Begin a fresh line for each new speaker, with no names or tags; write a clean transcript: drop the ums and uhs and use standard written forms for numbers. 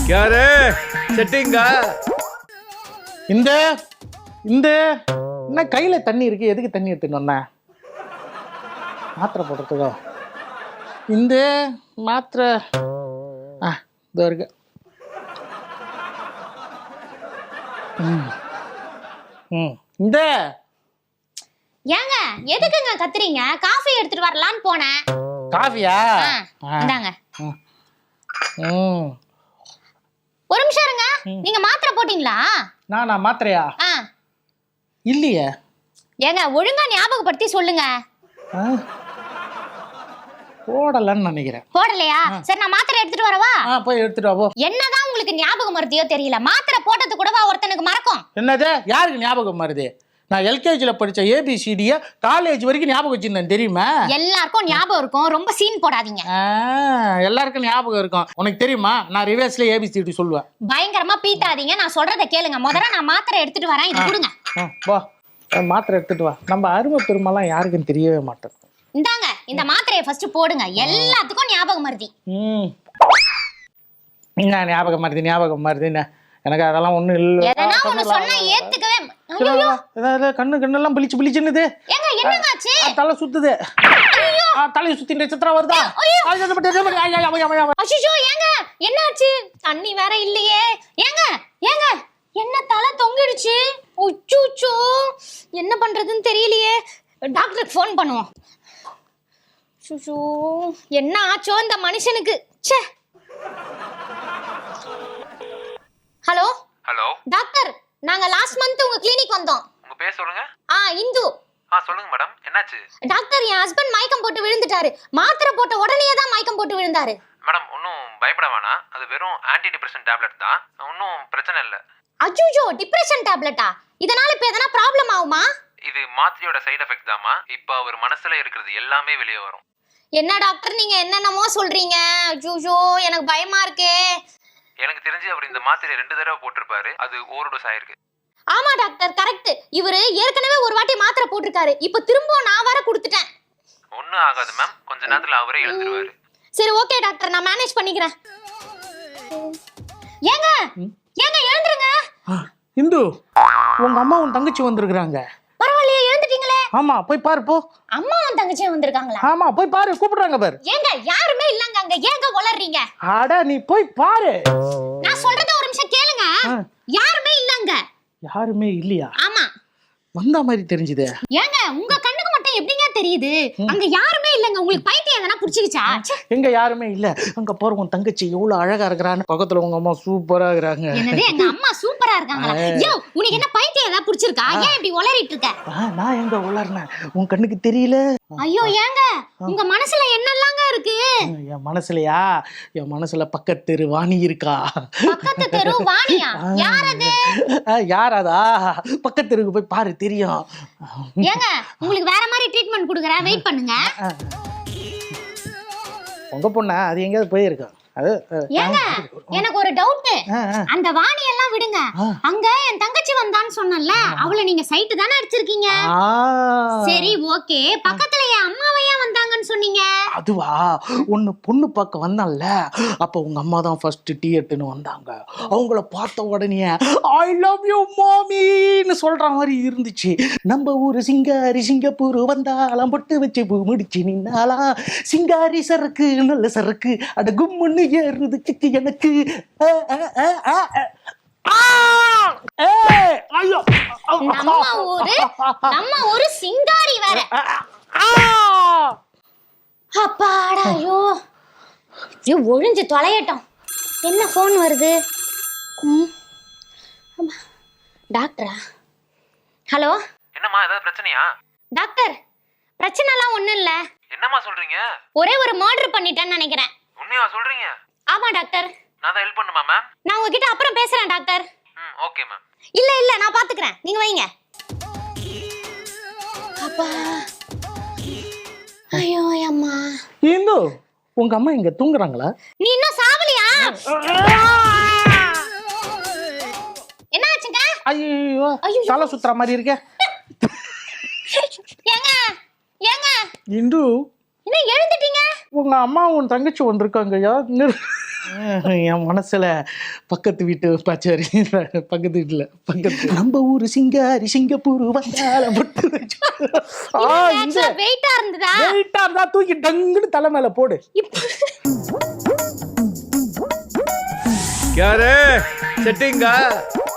யாரு செட்டிங்கா?
இந்த இந்த என்ன கையில தண்ணி இருக்கு? எதுக்கு தண்ணி எடுத்துன்னு வந்தேன்? மாத்திரை போடுறதுக்கோ? இந்த மாத்திரை இதோ இருக்கு. இந்த
ஏங்க எதுக்குங்க கத்துறீங்க? காஃபி எடுத்துட்டு வரலான்னு போனேன்.
காஃபியா?
இந்தாங்க. ஒரு நிமிஷம் இருங்க. நீங்க மாத்திரை போட்டீங்களா?
நான் மாத்திரையா? இல்லையே.
ஏங்க ஒழுங்கா ஞாபகப்படுத்தி சொல்லுங்க.
போடலன்னு நினைக்கிறேன்.
போடலையா? சரி நான் மாத்திரை எடுத்துட்டு வரவா?
போய் எடுத்துட்டு வா.
என்னதான் உங்களுக்கு ஞாபகம் மருதியோ தெரியல, மாத்திரை போட்டது கூடவா ஒருத்தனுக்கு மறக்கும்?
என்னது? யாருக்கு ஞாபகம் மருது? நான் எல்கேஜில படிச்ச ஏபிசிடிய காலேஜ் வரைக்கும் ஞாபகம் வச்சிருந்தேன் தெரியுமா?
எல்லாருக்கும் ஞாபகம் இருக்கும், ரொம்ப சீன் போடாதீங்க.
எல்லாருக்கும் ஞாபகம் இருக்கும். உனக்கு தெரியுமா நான் ரிவர்ஸ்ல ஏபிசிடி சொல்லுவேன்.
பயங்கரமா பீத்தாதீங்க, நான் சொல்றத கேளுங்க. முதல்ல நான் மாத்திரை எடுத்துட்டு வரேன், இது கொடுங்க.
வா மாத்திரை எடுத்துட்டு வா. நம்ம அருமை பெருமைலாம் யாருக்கும் தெரியவே மாட்டேன்.
இந்தாங்க இந்த மாத்திரையை ஃபர்ஸ்ட் போடுங்க. எல்லாத்துக்கும் ஞாபகம் மருதி.
என்ன ஞாபகம் மருதி ஞாபகம் மருதின்னு? எனக்கு அதெல்லாம் ஒண்ணும் இல்ல.
எதனா ஒன்னு சொன்னா ஏத்துக்கவே. ஐயோ
கண்ணெல்லாம் பிளிச்சுன்னுது.
ஏங்க என்னங்காச்சு?
தலை சுத்துது. தலையை சுத்திட்டு சித்திரா வருதா?
அச்சோ ஏங்க என்னாச்சு? தண்ணி வேற இல்லையே. ஏங்க ஏங்க என்ன தலை தொங்கிடுச்சு? உச்சூச்சோ என்ன பண்றதுன்னு தெரியலையே. டாக்டருக்கு ஃபோன் பண்ணுவோம். சுஷோ என்ன ஆச்சோ இந்த மனுஷனுக்கு? ச்சே. ஹலோ
ஹலோ
டாக்டர், நாங்க லாஸ்ட் மந்த் உங்க கிளினிக் வந்தோம்.
உங்க பேர் சொல்லுங்க.
இந்து.
சொல்லுங்க மேடம், என்னாச்சு?
டாக்டர் என் ஹஸ்பண்ட் மயக்கம் போட்டு விழுந்துட்டாரு. மாத்திரை போட்ட உடனே தான் மயக்கம் போட்டு விழுந்தாரு.
மேடம் ஒன்றும் பயப்பட வேணாம், அது வெறும் ஆன்டி டிப்ரெஷன் டேப்லெட் தான், ஒன்றும் பிரச்சனை இல்லை.
அஜ்ஜோ டிப்ரெஷன் டேப்லெட்டா? இதனால இப்ப எதனா ப்ராப்ளம் ஆகுமா?
இது மாத்திரையோட சைடு எஃபெக்ட் தாமா. இப்போ அவர் மனசுல இருக்கிறது எல்லாமே வெளியே வரும்.
என்ன டாக்டர் நீங்க என்னென்னமோ சொல்றீங்க? அஜ்ஜோ எனக்கு பயமா இருக்கே.
எனக்கு தெரிஞ்சு அவர் இந்த மாத்திரை 2 தடவை போட்டிருப்பாரு, அது ஓவர்டோஸ் ஆயிருக்கு.
ஆமா டாக்டர் கரெக்ட். இவரு ஏற்கனவே ஒரு வாட்டி மாத்திரை போட்டிருக்காரு, இப்ப திரும்ப நான் வர கொடுத்துட்டேன்.
ஒன்றும் ஆகாது மேம், கொஞ்ச நேரத்துல அவரே எழுந்துருவாரு.
சரி ஓகே டாக்டர், நான் மேனேஜ் பண்ணிக்கிறேன். ஏங்க ஏங்க எழுந்துருங்க.
இந்து உங்க அம்மா உன் தங்கச்சி வந்திருக்காங்க.
பரவாயில்லையே எழுந்துட்டீங்களே.
ஆமா போய் பாரு போ.
அம்மாவும் தங்கச்சியும் வந்திருக்காங்களா?
ஆமா போய் பாரு, கூப்பிடுறாங்க பாரு.
ஏங்க யாருமே இல்லங்க அங்க, ஏங்க உளறீங்க?
அட நீ போய் பாரு.
நான் சொல்றத ஒரு நிமிஷம் கேளுங்க. யாருமே இல்லங்க.
யாருமே இல்லையா?
ஆமா.
வந்த மாதிரி தெரிஞ்சுது.
ஏங்க உங்க கண்ணுக்கு மட்டும் எப்படிங்க தெரியுது? அங்க யாருமே இல்லங்க. உங்களுக்கு பைத்தியம் எதனா புடிச்சிருச்சா?
எங்க யாருமே இல்ல. அங்க போற உன் தங்கச்சி எவ்வளவு அழகா இருக்கறான்னு, பக்கத்துல உங்க அம்மா சூப்பரா இருக்காங்க.
என்னது எங்க அம்மா சூப்பரா இருக்காங்களா? யோ உனக்கு என்ன பைத்தியம் ஏதா புடிச்சிருக்கா? ஏன் இப்படி உளறிட்டு இருக்க?
நான் எங்க உளறனேன்? உன் கண்ணுக்கு தெரியல?
ஐயோ ஏங்க உங்க மனசுல என்னெல்லாங்க இருக்கு?
என் மனசுலயா? என் மனசுல பக்கத்து தெரு வாணி இருக்கா.
பக்கத்து தெரு வாணியா? யார் அது?
யாராதா? பக்கத்து தெருக்கு போய் பாரு தெரியும்.
ஏங்க உங்களுக்கு வேற மாதிரி ட்ரீட்மெண்ட் கொடுக்கறேன், வெயிட் பண்ணுங்க.
உங்க பொண்ணா? அது எங்கயாவது போயிருக்கா?
ஏங்க எனக்கு ஒரு டவுட். அந்த வாணி எல்லாம் விடுங்க, அங்க என் தங்கச்சி வந்தான்னு சொன்னல, அவளை நீங்க சைட் தானே அடிச்சிருக்கீங்க? சரி ஓகே, பக்கத்துல என் அம்மாவை ஏன் வந்தாங்கன்னு சொன்னீங்க?
அதுவா, ஒன்னு பொண்ணு பார்க்க வந்தான்ல, அப்ப உங்க அம்மா தான் ஃபர்ஸ்ட் டீ எடுத்துன்னு வந்தாங்க. அவங்கள பார்த்த உடனே ஐ லவ் யூ மாமின்னு சொல்ற மாதிரி இருந்துச்சு. நம்ம ஊரு சிங்காரி சிங்கப்பூர் வந்தாலாம், பொட்டு வச்சு பூ முடிச்சு நின்னாலா, சிங்காரி சரக்கு நல்ல சரக்கு அட கும்முன்னு ஏறுது கிக்கு எனக்கு.
நம்ம ஒரு சிங்காரி வேற. அப்பாடாயோ ஒழிஞ்சு தொலையட்டும். என்ன போன் வருது? டாக்டரா? ஹலோ
என்னம்மா, ஏதாவது பிரச்சனையா?
டாக்டர் பிரச்சனை எல்லாம் ஒண்ணும் இல்ல.
என்னம்மா சொல்றீங்க?
ஒரே ஒரு மர்டர் பண்ணிட்டேன்னு நினைக்கிறேன்.
உண்மையா சொல்றீங்க?
ஆமா டாக்டர்.
நான் தான் ஹெல்ப் பண்ணுமா மேம்?
நான் உங்ககிட்ட அப்புறம் பேசுறேன் டாக்டர்.
Okay ma'am.
இல்ல நான் பாத்துக்கிறேன், நீங்க வைங்க. அப்பா ஐயோ அம்மா.
இந்து உங்க அம்மா இங்க தூங்குறாங்களா?
நீ இன்னும் சாவலியா? என்ன ஆச்சுங்க?
ஐயோ தலை சுத்துற மாதிரி இருக்க.
ஏங்க ஏங்க
இந்து
என்ன எழுந்துட்டீங்க?
உங்க அம்மா உன் தங்கச்சி வந்திருக்காங்க. என் மனசுல பக்கத்து வீட்டு பச்சரி பக்கத்து வீட்டுல பக்கத்து நம்ம ஊரு சிங்காரி சிங்கப்பூர் வந்தால
வெயிட்டா இருந்ததா
வெயிட்டா இருந்தா தூக்கி டங்குன்னு தலை மேல போடு.
क्या रे सेटिंग का